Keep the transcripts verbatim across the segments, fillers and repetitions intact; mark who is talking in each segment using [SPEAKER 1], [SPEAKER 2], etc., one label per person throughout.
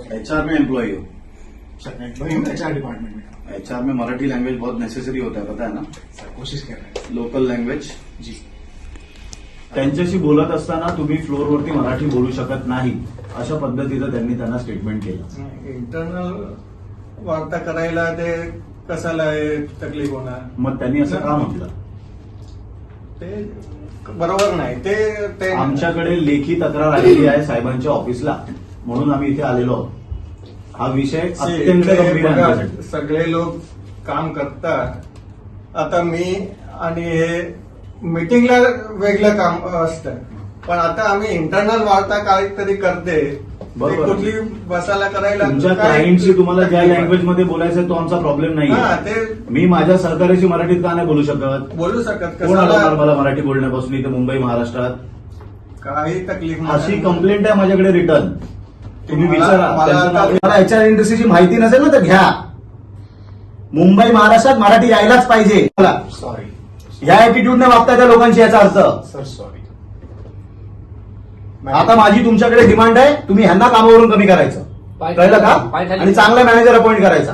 [SPEAKER 1] HR में employee हो?
[SPEAKER 2] Sir मैं एम्प्लॉई हूँ एचआर डिपार्टमेंट में।
[SPEAKER 1] एचआर में मराठी लैंग्वेज बहुत नेसेसरी होता है, पता है ना?
[SPEAKER 2] सर कोशिश कर रहे हैं।
[SPEAKER 1] Local language.
[SPEAKER 2] जी
[SPEAKER 3] त्यांच्याशी बोलत असताना तुम्ही फ्लोअरवरती मराठी बोलू शकत नाही अशा पद्धतीचं त्यांनी त्यांना स्टेटमेंट केलं.
[SPEAKER 4] इंटरनल वार्ता करायला ते कसाला आहे तकलीफ होणार.
[SPEAKER 3] मग त्यांनी असं का म्हटलं?
[SPEAKER 4] ते बरोबर नाही. ते ते
[SPEAKER 3] आमच्याकडे लेखी तक्रार आलेली आहे साहेबांच्या ऑफिसला, म्हणून आम्ही इथे आलेलो आहोत. हा विषय अत्यंत
[SPEAKER 4] ते
[SPEAKER 3] गंभीर आहे
[SPEAKER 4] बघा,
[SPEAKER 3] आमच्यासाठी.
[SPEAKER 4] सगळे लोक काम करतात. आता मी आणि हे मीटिंगला वेगळं काम असतं, पण आता आम्ही इंटरनल वार्ता काहीतरी करते. ते
[SPEAKER 3] बरोबर.
[SPEAKER 4] कुठली बसायला करायला
[SPEAKER 3] तुमच्या
[SPEAKER 4] काय-
[SPEAKER 3] क्लायंटशी तुम्हाला ज्या लँग्वेज मध्ये बोलायचं आहे तो आमचा प्रॉब्लेम
[SPEAKER 4] हा,
[SPEAKER 3] नाही.
[SPEAKER 4] ते
[SPEAKER 3] मी माझ्या सहकार्याशी मराठीत का नाही बोलू शकत?
[SPEAKER 4] बोलू शकत.
[SPEAKER 3] कोण अडवणार
[SPEAKER 4] कसाला
[SPEAKER 3] मला मराठी बोलण्यापासून इथे मुंबई महाराष्ट्रात?
[SPEAKER 4] काही तकलीफ
[SPEAKER 3] अशी
[SPEAKER 4] नाही.
[SPEAKER 3] कंप्लेंट आहे माझ्याकडे रिटर्न. तुम्ही
[SPEAKER 4] मला-
[SPEAKER 3] विचारा.
[SPEAKER 4] मला
[SPEAKER 3] त्यांचं नाव-
[SPEAKER 4] आता-
[SPEAKER 5] मला एचआर इंडस्ट्रीची माहिती नसेल ना तर घ्या. मुंबई महाराष्ट्रात मराठी यायलाच पाहिजे. मला
[SPEAKER 2] सॉरी
[SPEAKER 5] ह्या ऍटिट्यूडने वागता त्या लोकांशी याचा अर्थ.
[SPEAKER 2] Sir sorry.
[SPEAKER 5] आता माझी तुमच्याकडे डिमांड आहे, तुम्ही ह्यांना कामावरून कमी करायचं, कळलं का? आणि चांगला मॅनेजर अपॉइंट करायचा.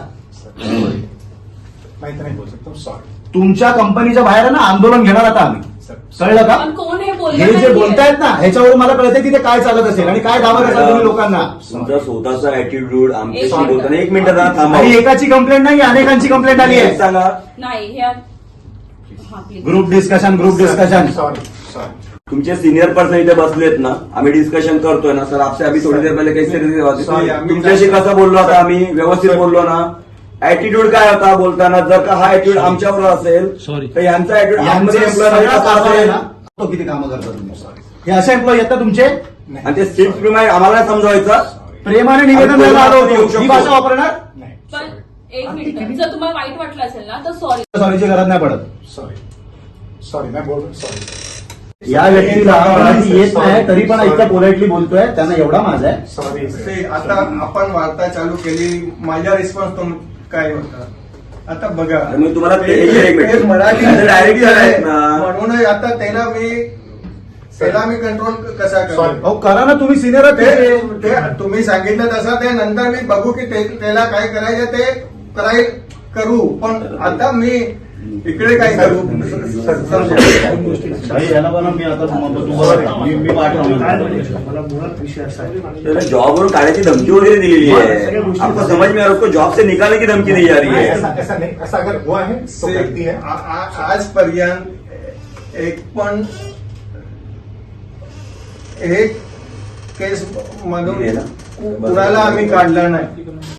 [SPEAKER 2] मैं इतना ही बोल सकता हूँ सॉरी.
[SPEAKER 5] तुमच्या कंपनीच्या बाहेर आहे ना आंदोलन घेणार आता आम्ही,
[SPEAKER 2] सर
[SPEAKER 5] कळलं का?
[SPEAKER 6] पण कोण हे
[SPEAKER 5] हे
[SPEAKER 6] बोललं
[SPEAKER 5] जे
[SPEAKER 6] नाहीये.
[SPEAKER 5] बोलतायत ना ह्याच्यावरून मला कळतं की ते काय चालत असेल आणि काय दावा करतात तुम्ही लोकांना.
[SPEAKER 7] तुमचा स्वतःचा ऍटिट्यूड आमच्याशी
[SPEAKER 6] एक मिनिट.
[SPEAKER 7] बोलताना एक मिनिट जरा थांबा.
[SPEAKER 5] आणि एकाची कंप्लेंट नाही अनेकांची कंप्लेंट आली
[SPEAKER 7] एक
[SPEAKER 5] आहे.
[SPEAKER 7] सांगा.
[SPEAKER 6] नाही हे आ- हा, please.
[SPEAKER 5] Group discussion group discussion.
[SPEAKER 2] Sorry sorry.
[SPEAKER 7] तुमचे सिनियर पर्सन इथे बसलेत ना, आम्ही डिस्कशन करतोय ना सर. आपसे अभी थोडी देर पहिले
[SPEAKER 4] Sorry,
[SPEAKER 7] काही
[SPEAKER 4] आम्ही-
[SPEAKER 7] तुमच्याशी कसं बोललो आता आम्ही? व्यवस्थित बोललो ना? ऍटिट्यूड काय होता बोलताना? जर का हा ऍटिट्यूड आमच्यावर असेल तर यांचा ऍटिट्यूड आमच्या एम्प्लॉय कसा असेल?
[SPEAKER 5] तो किती कामं करता तुम्ही? हे असे एम्प्लॉई आहेत ना तुमचे?
[SPEAKER 7] आणि ते स्ट्रिक्ट प्रिमाइड आम्हाला नाही समजावायचं.
[SPEAKER 5] प्रेमाने निवेदन
[SPEAKER 7] आम्ही
[SPEAKER 5] द्यायला आलो
[SPEAKER 7] येऊ
[SPEAKER 5] होतो.
[SPEAKER 7] शकतो.
[SPEAKER 5] ही भाषा वापरणार?
[SPEAKER 2] नाही
[SPEAKER 6] पण एक मिनिट, जर तुम्हाला वाईट वाटलं असेल ना तर सॉरी.
[SPEAKER 5] सॉरीची गरज नाही पडत.
[SPEAKER 2] सॉरी सॉरी मैं बोल रहा हूँ सॉरी.
[SPEAKER 5] या व्यक्तीला मराठी येत नाही तरी पण इतकं पोलाइटली बोलतोय, त्यांना एवढा माझा आहे.
[SPEAKER 2] सॉरी
[SPEAKER 4] ते आता आपण वार्ता चालू केली. माझा रिस्पॉन्स तुम काय होता आता बघा.
[SPEAKER 7] आणि मग तुम्हाला ते-
[SPEAKER 4] ते-
[SPEAKER 7] एक मिनिट.
[SPEAKER 4] ते मराठी
[SPEAKER 7] आता direct झालंय ना.
[SPEAKER 4] म्हणून आता त्याला मी त्याला मी कंट्रोल कसा करू?
[SPEAKER 2] Sorry.
[SPEAKER 5] अहो करा ना, तुम्ही सिनियर
[SPEAKER 4] ते
[SPEAKER 5] आहात.
[SPEAKER 4] ते तुम्ही सांगितलं तसं ते नंतर मी बघू की ते- त्याला काय करायचं ते कराय करू. पण आता मी इकडे काय करू?
[SPEAKER 3] भाई, याला बघा मी आता तुम्हाला- तुम्हाला मी मी पाठवलं.
[SPEAKER 2] मला मुळात विषय असा आहे.
[SPEAKER 7] त्याला जॉबवरून काढायची धमकी वगैरे दिलेली आहे. आपको समझ में आ रहा है? उसको जॉब से निकालने की धमकी दी जा रही है.
[SPEAKER 2] ऐसा ऐसा नहीं, ऐसा अगर हुआ है तो गलती है.
[SPEAKER 4] आ- आ- आजपर्यंत एक पण एक केस मधून कुणाला आम्ही काढला नाही.